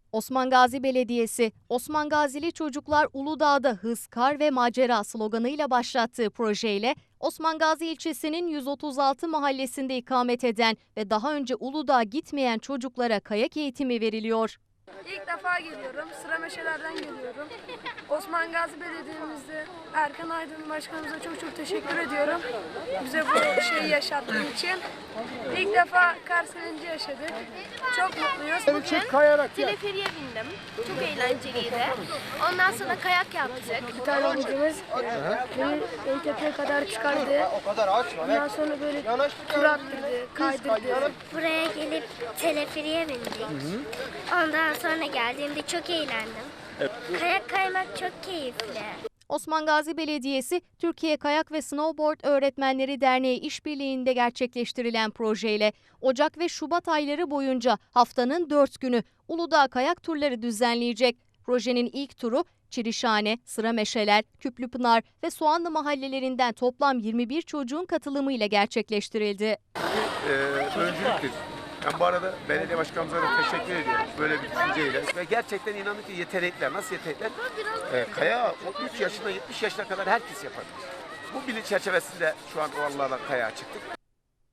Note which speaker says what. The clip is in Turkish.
Speaker 1: Osman Gazi Belediyesi, Osman Gazili Çocuklar Uludağ'da hız, kar ve macera sloganıyla başlattığı projeyle Osman Gazi ilçesinin 136 mahallesinde ikamet eden ve daha önce Uludağ'a gitmeyen çocuklara kayak eğitimi veriliyor.
Speaker 2: İlk defa geliyorum. Sırameşelerden geliyorum. Osman Gazi Belediye'mizde Erkan Aydın Başkanımıza çok teşekkür ediyorum. Bize bu şeyi yaşattığı için. İlk defa kar sevinci yaşadık. Çok mutluyuz.
Speaker 3: Bugün teleferiye bindim. Çok eğlenceliydi. Ondan sonra kayak yaptık.
Speaker 2: Bir tane hocamız beni en tepeye kadar çıkardı. Ondan sonra böyle tur attırdı, kaydırdı.
Speaker 4: Buraya gelip teleferiye bindik. Ondan sonra geldiğimde çok eğlendim. Kayak kaymak çok keyifli.
Speaker 1: Osman Gazi Belediyesi, Türkiye Kayak ve Snowboard Öğretmenleri Derneği işbirliğinde gerçekleştirilen projeyle Ocak ve Şubat ayları boyunca haftanın 4 günü Uludağ kayak turları düzenleyecek. Projenin ilk turu Çirişhane, Sırameşeler, Küplüpınar ve Soğanlı mahallelerinden toplam 21 çocuğun katılımıyla gerçekleştirildi.
Speaker 5: Öncülüktür. Ben bu arada belediye başkanımıza da teşekkür ediyorum böyle bir düşünceyle. Ve gerçekten inanın ki yetenekler, nasıl yetenekler? Kayağı 3 yaşında 70 yaşına kadar herkes yapabilir. Bu bilinç çerçevesinde şu an o Allah'la kayağa çıktık.